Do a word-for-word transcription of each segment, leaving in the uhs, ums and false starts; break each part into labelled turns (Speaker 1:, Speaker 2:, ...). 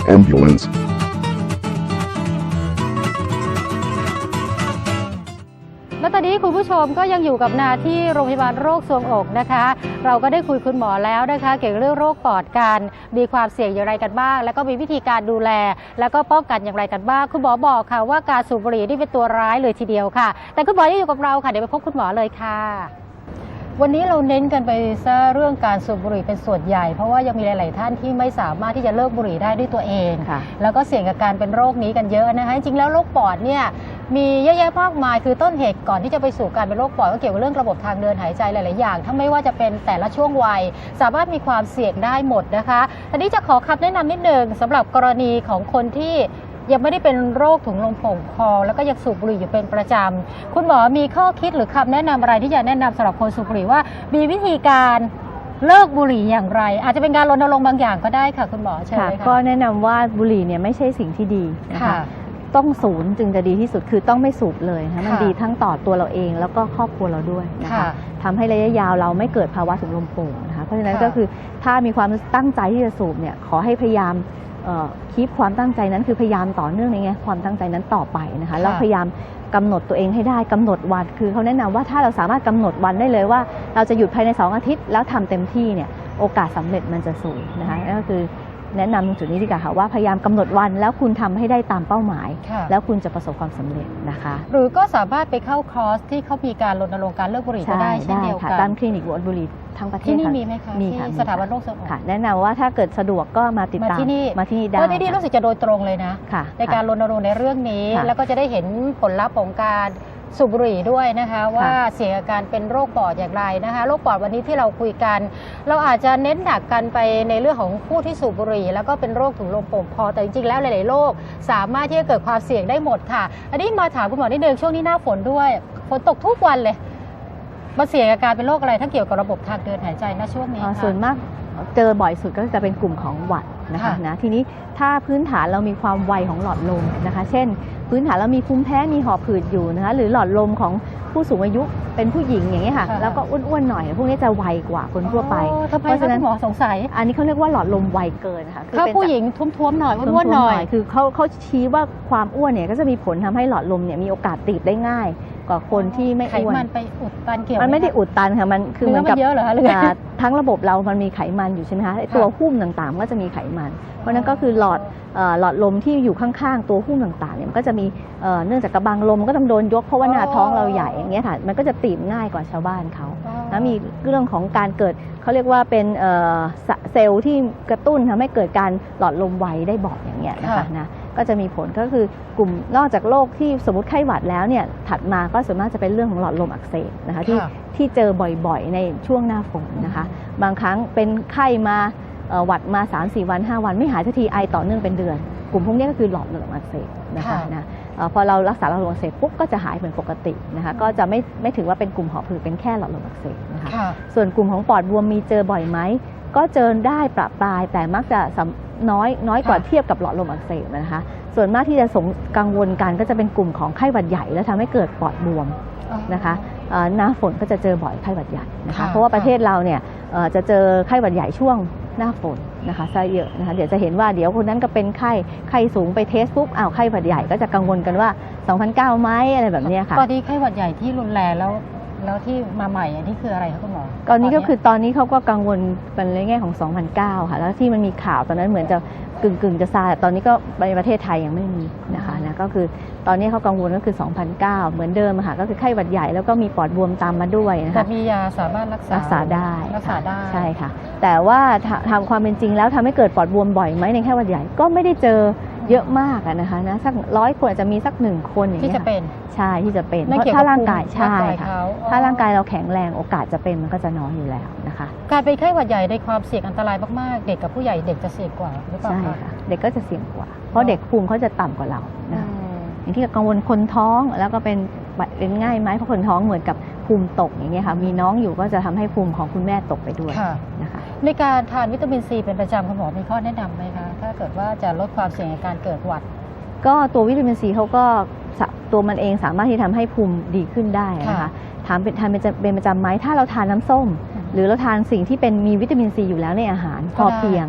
Speaker 1: ambulance.
Speaker 2: และตอนนี้คุณผู้ชมก็ยังอยู่กับนาที่โรงพยาบาลโรคทรวงอกนะคะเราก็ได้คุยคุณหมอแล้วนะคะเกี่ยวกับเรื่องโรคปอดกันมีความเสี่ยงอย่างไรกันบ้างแล้วก็มีวิธีการดูแลแล้วก็ป้องกันอย่างไรกันบ้างคุณหมอบอกค่ะว่าการสูบบุหรี่นี่เป็นตัวร้ายเลยทีเดียวค่ะแต่คุณหมอยังอยู่กับเราค่ะเดี๋ยวไปพบคุณหมอเลยค่ะวันนี้เราเน้นกันไปซะเรื่องการสูบบุหรี่เป็นส่วนใหญ่เพราะว่ายังมีหลายๆท่านที่ไม่สามารถที่จะเลิกบุหรี่ได้ด้วยตัวเองแล้วก็เสี่ยงกับการเป็นโรคนี้กันเยอะนะคะจริงๆแล้วโรคปอดเนี่ยมีเยอะแยะมากมายคือต้นเหตุก่อนที่จะไปสู่การเป็นโรคปอดก็เกี่ยวกับเรื่องระบบทางเดินหายใจหลายๆอย่างทั้งไม่ว่าจะเป็นแต่ละช่วงวัยสามารถมีความเสี่ยงได้หมดนะคะทีนี้จะขอคำแนะนำนิดนึงสำหรับกรณีของคนที่ยังไม่ได้เป็นโรคถุงลมโป่งพองแล้วก็ยังสูบบุหรี่อยู่เป็นประจำคุณหมอมีข้อคิดหรือคำแนะนำอะไรที่จะแนะนำสำหรับคนสูบบุหรี่ว่ามีวิธีการเลิกบุหรี่อย่างไรอาจจะเป็นการรณรงค์บางอย่างก็ได้ค่ะคุณหมอเชิญเลยค่ะ
Speaker 3: ก็แนะนำว่าบุหรี่เนี่ยไม่ใช่สิ่งที่ดีนะคะต้องศูนย์จึงจะดีที่สุดคือต้องไม่สูบเลยนะมันดีทั้งต่อตัวเราเองแล้วก็ครอบครัวเราด้วยนะคะทำให้ระยะยาวเราไม่เกิดภาวะถุงลมโป่งนะคะเพราะฉะนั้นก็คือถ้ามีความตั้งใจที่จะสูบเนี่ยขอให้พยายามคีปความตั้งใจนั้นคือพยายามต่อเนื่องในไงความตั้งใจนั้นต่อไปนะคะแล้วพยายามกำหนดตัวเองให้ได้กำหนดวันคือเขาแนะนำว่าถ้าเราสามารถกำหนดวันได้เลยว่าเราจะหยุดภายในสองอาทิตย์แล้วทำเต็มที่เนี่ยโอกาสสำเร็จมันจะสูงนะคะนั่นก็คือแนะนำตรงจุดนี้ดีกว่าค่ะว่าพยายามกำหนดวันแล้วคุณทำให้ได้ตามเป้าหมายแล้วคุณจะประสบความสำเร็จนะคะ
Speaker 2: หรือก็สามารถไปเข้าคอร์สที่เขามีการรณรงค์การเลิกบุหรี่ก็ได้เช่นเดียวกัน
Speaker 3: ตามคลินิกบุหรี่ทั้งประเทศ
Speaker 2: ที่นี่มีไหมคะ
Speaker 3: มีค่ะ
Speaker 2: สถาบันโรคทรวงอก
Speaker 3: ค่ะแนะนำว่าถ้าเกิดสะดวกก็มาติดตาม
Speaker 2: มาที่นี่
Speaker 3: มาที่นี่ได้
Speaker 2: เพราะที่นี่รู้สึกจะโดยตรงเลยนะในการรณรงค์ในเรื่องนี้แล้วก็จะได้เห็นผลลัพธ์ของการสูบบุหรี่ด้วยนะคะว่าเสี่ยงอาการเป็นโรคปอดอย่างไรนะคะโรคปอดวันนี้ที่เราคุยกันเราอาจจะเน้นหนักกันไปในเรื่องของผู้ที่สูบบุหรี่แล้วก็เป็นโรคถุงลมโป่งพองแต่จริงๆแล้วหลายๆโรคสามารถที่จะเกิดความเสี่ยงได้หมดค่ะอันนี้มาถามคุณหมอนิดนึงช่วงนี้หน้าฝนด้วยฝนตกทุกวันเลยมาเสี่ยงอาการเป็นโรคอะไรถ้าเกี่ยวกับระบบทางเดินหายใจณช่วงนี้ค่ะ
Speaker 3: ส่วนมากเจอบ่อยสุดก็จะเป็นกลุ่มของหวัดนะคะนะทีนี้ถ้าพื้นฐานเรามีความไวของหลอดลมนะคะเช่นพื้นฐานเรามีภูมิแพ้มีหอบหืดอยู่นะคะหรือหลอดลมของผู้สูงอายุเป็นผู้หญิงอย่างนี้ค่ะแล้วก็อ้วนๆหน่อยพวกนี้จะไวกว่าคนทั่วไป
Speaker 2: เพราะฉะนั้น
Speaker 3: ห
Speaker 2: มอสงสัย
Speaker 3: อันนี้เขาเรียกว่าหลอดลมไวเกินค่ะ
Speaker 2: ถ้าผู้หญิงท้วมๆหน่อยอ้วนๆหน่อย
Speaker 3: คือเขาเขาชี้ว่าความอ้วนเนี่ยก็จะมีผลทำให้หลอดลมเนี่ยมีโอกาสตีบได้ง่ายกว่าคนที่ไม่อ้วน
Speaker 2: ไขมันไปอุดตันเกี่ยว
Speaker 3: มันไม่ได้อุดตันค่ะมันคือเหมือนกับทั้งระบบเรามันมีไขมันอยู่ใช่ไหมคะตัวหุ้มต่างๆก็จะมีไขมันเพราะนั้นก็คือหลอดหลอดลมที่อยู่ข้างๆตัวหุ้มต่างๆเนี่ยมันก็จะมีเนื่องจากกระบังลมก็ต้องโดนยกเพราะว่าหน้าท้องเราใหญ่อย่างเงี้ยค่ะมันก็จะตีบง่ายกว่าชาวบ้านเขาแล้วมีเรื่องของการเกิดเขาเรียกว่าเป็นเซลล์ที่กระตุ้นทำให้เกิดการหลอดลมไวได้บ่อยอย่างเงี้ยนะคะนะก็จะมีผลก็คือกลุ่มนอกจากโรคที่สมมติไข้หวัดแล้วเนี่ยถัดมาก็ส่วนมากจะเป็นเรื่องของหลอดลมอักเสบนะคะที่ที่เจอบ่อยๆในช่วงหน้าฝนนะคะบางครั้งเป็นไข้มาหวัดมา สามสี่ วัน ห้า วันไม่หายสักทีไอต่อเนื่องเป็นเดือนกลุ่มพวกนี้ก็คือหลอดลมอักเสบนะคะนะพอเรารักษาหลอดลมอักเสบปุ๊บก็จะหายเป็นปกตินะคะก็จะไม่ไม่ถือว่าเป็นกลุ่มหอบหืดเป็นแค่หลอดลมอักเสบนะคะส่วนกลุ่มของปอดบวมมีเจอบ่อยไหมก็เจอได้ประปรายแต่มักจะน้อยน้อยกว่าเทียบกับหลอดลมอักเสบนะคะส่วนมากที่จะสงกังวลกันก็จะเป็นกลุ่มของไข้หวัดใหญ่แล้วทำให้เกิดปอดบวมนะคะหน้าฝนก็จะเจอบ่อยไข้หวัดใหญ่นะคะเพราะว่าประเทศเราเนี่ยจะเจอไข้หวัดใหญ่ช่วงหน้าฝนนะคะซะเยอะนะคะเดี๋ยวจะเห็นว่าเดี๋ยวคนนั้นก็เป็นไข้ไข้สูงไปเทสปุ๊บอ้าวไข้หวัดใหญ่ก็จะกังวลกันว่าสองพันเก้าไหมอะไรแบบนี้ค่ะ
Speaker 2: ตอนนี้ไข้หวัดใหญ่ที่รุนแรงแล้วแล้วที่มาใหม่อันนี้คืออะไรคะคุณหมอ
Speaker 3: ตอนนี้ก็คือตอนนี้เขาก็กังวลเป็นในแง่ของสองพันเก้าค่ะแล้วที่มันมีข่าวตอนนั้นเหมือนจะกึ่งกึ่งจะซาแต่ตอนนี้ก็ในประเทศไทยยังไม่มีนะคะนะก็คือตอนนี้เขากังวลก็คือสองพันเก้าเหมือนเดิมค่ะก็คือไข้หวัดใหญ่แล้วก็มีปอดบวมตามมาด้วยนะคะ
Speaker 2: แต่มียาสามารถรักษา
Speaker 3: รักษาได้
Speaker 2: รักษาได้
Speaker 3: ใช่ค่ะแต่ว่าทำความเป็นจริงแล้วทำให้เกิดปอดบวมบ่อยไหมในไข้หวัดใหญ่ก็ไม่ได้เจอเยอะมากนะคะนะสักร้อยคนอาจจะมีสักหนึ่งคนอย่างนี้
Speaker 2: ที่จะเป็น
Speaker 3: ใช่ที่จะเป็นเพราะถ้าร่างกายใช่ค่ะถ้าร่างกายเราแข็งแรงโอกาสจะเป็นมันก็จะน้อยอยู่แล้วนะคะ
Speaker 2: การเป็นไข้หวัดใหญ่ในความเสี่ยงอันตรายมากๆเด็กกับผู้ใหญ่เด็กจะเสี่ยงกว่าหรือเปล่า
Speaker 3: ใช่ค่ะเด็กก็จะเสี่ยงกว่าเพราะเด็กภูมิเขาจะต่ำกว่าเรานะอย่างที่กังวลคนท้องแล้วก็เป็นเป็นง่ายไหมเพราะคนท้องเหมือนกับภูมิตกอย่างเงี้ยค่ะมีน้องอยู่ก็จะทำให้ภูมิของคุณแม่ตกไปด้วยนะคะ
Speaker 2: ในการทานวิตามินซีเป็นประจำคุณหมอมีข้อแนะนำไหมคะถ้าเกิดว่าจะลดความเสี่ยงในการเกิดหวัด
Speaker 3: ก็ตัววิตามินซีเขาก็ตัวมันเองสามารถที่ทำให้ภูมิดีขึ้นได้นะคะถามเป็นทานเป็นประจำไหมถ้าเราทานน้ำส้มหรือเราทานสิ่งที่เป็นมีวิตามินซีอยู่แล้วในอาหารพอเพียง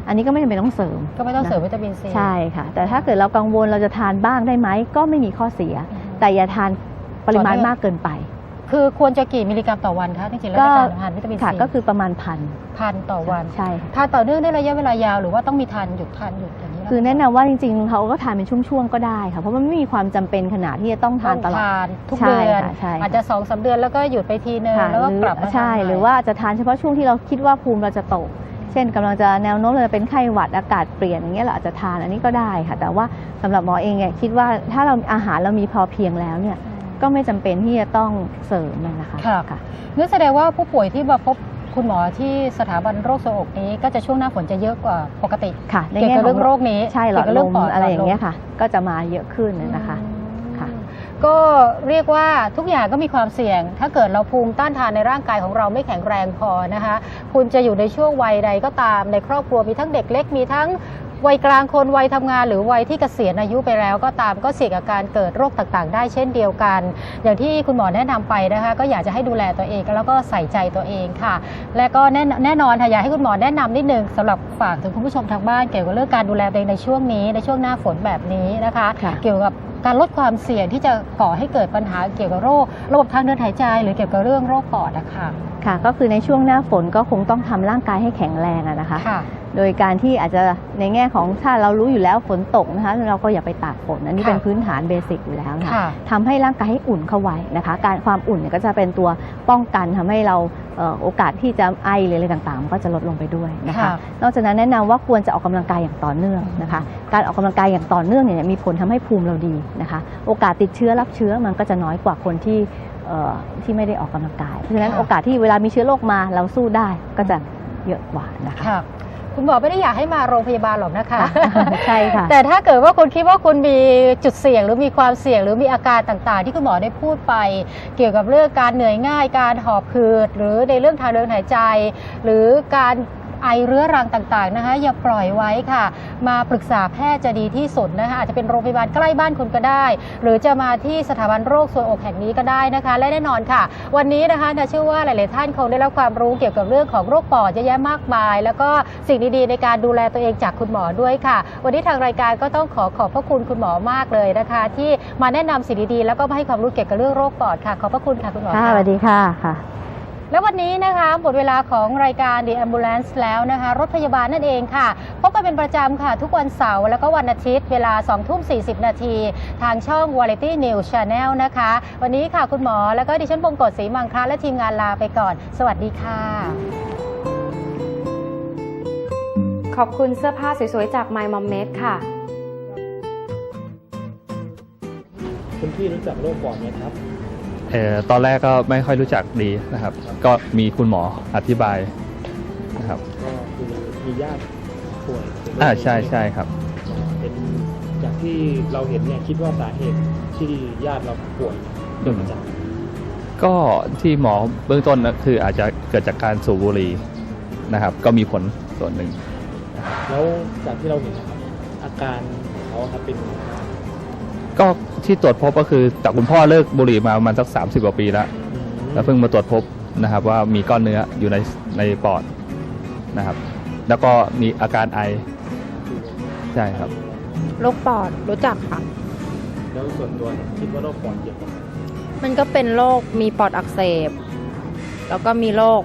Speaker 3: อันนี้ก็ไม่จำเป็นต้องเสริม
Speaker 2: ก็ไม่ต้องเสริมวิตามินซี
Speaker 3: ใช่ค่ะแต่ถ้าเกิดเรากังวลเราจะทานบ้างได้ไหมก็ไม่มีข้อเสียแต่อย่าทานปริมาณมากเกินไป
Speaker 2: คือควรจะกี่มิลลิกรัมต่อวันคะจริงๆแล้วในการทานวิตามินซี
Speaker 3: ก็คือประมาณพัน
Speaker 2: พันต่อวัน
Speaker 3: ใช่
Speaker 2: ทานต่อเนื่องได้ระยะเวลายาวหรือว่าต้องมีทานหยุดทานหยุดอย่างนี้
Speaker 3: คือแนะนำว่าจริงๆเขาก็ทานเป็นช่วงๆก็ได้ค่ะเพราะมันไม่มีความจำเป็นขนาดที่จะต้องทานตลอด
Speaker 2: ทุกเดือนอาจจะสองสามเดือนแล้วก็หยุดไปทีนึงแล้วก็กลับมา
Speaker 3: ใช่หรือว่าจะทานเฉพาะช่วงที่เราคิดว่าภูมิเราจะตกเช่นกำลังจะแนวโน้มเราจะเป็นไข้หวัดอากาศเปลี่ยนอย่างเงี้ยเราอาจจะทานอันนี้ก็ได้ค่ะแต่ว่าสำหรับหมอเองเนี่ยคิดว่าถ้าเราอาหารเรามีพอเพียงแล้วเนี่ยก็ไม่จำเป็นที่จะต้องเสริมนะคะ
Speaker 2: ค่ะนั่นแสดงว่าผู้ป่วยที่มาพบคุณหมอที่สถาบันโรคทรวงอกนี้ก็จะช่วงหน้าฝนจะเยอะกว่าปกติ
Speaker 3: ค่ะ
Speaker 2: เกี่ยวกับเรื่องโรคนี้
Speaker 3: ใช่หลอดลมอะไรอย่างเงี้ยค่ะก็จะมาเยอะขึ้นนะคะค่ะ
Speaker 2: ก็เรียกว่าทุกอย่างก็มีความเสี่ยงถ้าเกิดเราภูมิต้านทานในร่างกายของเราไม่แข็งแรงพอนะคะคุณจะอยู่ในช่วงวัยใดก็ตามในครอบครัวมีทั้งเด็กเล็กมีทั้งวัยกลางคนวัยทำงานหรือวัยที่เกษียณอายุไปแล้วก็ตามก็เสี่ยงกับการเกิดโรคต่างๆได้เช่นเดียวกันอย่างที่คุณหมอแนะนำไปนะคะก็อยากจะให้ดูแลตัวเองแล้วก็ใส่ใจตัวเองค่ะและก็แน่แน่นอนค่ะอยากให้คุณหมอแนะนำนิดนึงสำหรับฝากถึงคุณผู้ชมทางบ้านเกี่ยวกับเรื่องการดูแลตัวเองในช่วงนี้ในช่วงหน้าฝนแบบนี้นะคะเกี่ยวกับการลดความเสี่ยงที่จะก่อให้เกิดปัญหาเกี่ยวกับโรคระบบทางเดินหายใจหรือเกี่ยวกับเรื่องโรคปอดนะคะ
Speaker 3: ค่ะก็คือในช่วงหน้าฝนก็คงต้องทำร่างกายให้แข็งแรงนะคะโดยการที่อาจจะในแง่ของถ้าเรารู้อยู่แล้วฝนตกนะคะเราก็อย่าไปตากฝนอันนี้เป็นพื้นฐานเบสิกอยู่แล้วนะคะทำให้ร่างกายให้อุ่นเข้าไว้นะคะการความอุ่นเนี่ยก็จะเป็นตัวป้องกันทำให้เราโอกาสที่จะไอหรืออะไรต่างๆก็จะลดลงไปด้วยนะคะนอกจากนั้นแนะนำว่าควรจะออกกำลังกายอย่างต่อเนื่องนะคะการออกกำลังกายอย่างต่อเนื่องเนี่ยมีผลทำให้ภูมิเราดีนะคะโอกาสติดเชื้อรับเชื้อมันก็จะน้อยกว่าคนที่ที่ไม่ได้ออกกำลังกายเพราะฉะนั้นโอกาสที่เวลามีเชื้อโรคมาเราสู้ได้ก็จะเยอะกว่านะคะ
Speaker 2: คุณหมอไม่ได้อยากให้มาโรงพยาบาลหรอกนะคะ
Speaker 3: ใช่ค่ะ
Speaker 2: แต่ถ้าเกิดว่าคุณคิดว่าคุณมีจุดเสี่ยงหรือมีความเสี่ยงหรือมีอาการต่างๆที่คุณหมอได้พูดไปเกี่ยวกับเรื่องการเหนื่อยง่ายการหอบหืดหรือในเรื่องทางเดินหายใจหรือการไอเรื้อรังต่างๆนะคะอย่าปล่อยไว้ค่ะมาปรึกษาแพทย์จะดีที่สุดนะคะอาจจะเป็นโรงพยาบาลใกล้บ้านคุณก็ได้หรือจะมาที่สถาบันโรคทรวงอกแห่งนี้ก็ได้นะคะและแน่นอนค่ะวันนี้นะคะเชื่อว่าหลายๆท่านคงได้รับความรู้เกี่ยวกับเรื่องของโรคปอดเยอะแยะมากมายแล้วก็สิ่งดีๆในการดูแลตัวเองจากคุณหมอด้วยค่ะวันนี้ทางรายการก็ต้องขอขอบพระคุณคุณหมอมากเลยนะคะที่มาแนะนำสิ่งดีๆแล้วก็มาให้ความรู้เกี่ยวกับเรื่องโรคปอดค่ะขอบพระคุณค่ะคุณหมอ
Speaker 3: ค่ะสวัสดีค่ะค่ะ
Speaker 2: แล้ววันนี้นะคะหมดเวลาของรายการ The Ambulance แล้วนะคะรถพยาบาลนั่นเองค่ะพบกันเป็นประจำค่ะทุกวันเสาร์แล้วก็วันอาทิตย์เวลา สองทุ่มสี่สิบ นาทีทางช่อง Variety News Channel นะคะวันนี้ค่ะคุณหมอแล้วก็ดิฉันบงกฎศรีมังคลาและทีมงานลาไปก่อนสวัสดีค่ะ
Speaker 1: ขอบคุณเสื้อผ้าสวยๆจาก My Mom Made ค่ะ
Speaker 4: คุณพี่รู้จักโรคปอดไหมครับ
Speaker 5: เอ่อตอนแรกก็ไม่ค่อยรู้จักดีนะครับก็มีคุณหมออธิบายนะครับ
Speaker 4: ก็คือมีญาติป่วย
Speaker 5: อ่าใช่ใช่ครับ
Speaker 4: เป็นจากที่เราเห็นเนี่ยคิดว่าสาเหตุที่ญาติเราป่วยเกิดมาจาก
Speaker 5: ก็ที่หมอเบื้องต้นนะคืออาจจะเกิดจากการสูบบุหรี่นะครับก็มีผลส่วนหนึ่ง
Speaker 4: แล้วจากที่เราเห็นนะครับอาการเขาครับเป็น
Speaker 5: ก็ที่ตรวจพบก็คือแต่คุณพ่อเลิกบุหรี่มาประมาณสักสามสิบกว่าปีแล้วแล้วเพิ่งมาตรวจพบนะครับว่ามีก้อนเนื้ออยู่ในในปอดนะครับแล้วก็มีอาการไอใช่ครับ
Speaker 6: โรคปอดรู้จักค่ะ
Speaker 4: แล้วส่วนตัวคิดว่าโรคปอดเกี่ยวกับ
Speaker 6: มันก็เป็นโรคมีปอดอักเสบแล้วก็มีโรค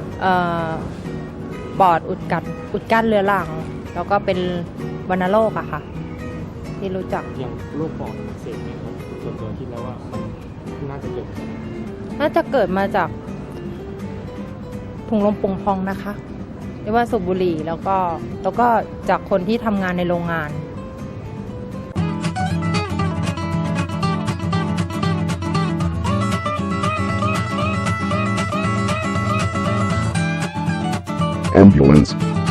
Speaker 6: ปอดอุดกัดอุดกั้นเรื้อรังแล้วก็เป็นวัณโรคอะค่ะที่รู้จัก
Speaker 4: อย่างโรคปอดอักเสบเนี่ยครับส่วนตัวคิดแล้วว่ามันน่าจะเกิดจาก
Speaker 6: น่าจะเกิดมาจากถุงลมโป่งพองนะคะเรียกว่าสูบบุหรี่แล้วก็แล้วก็จากคนที่ทำงานในโรงงาน
Speaker 7: Ambulance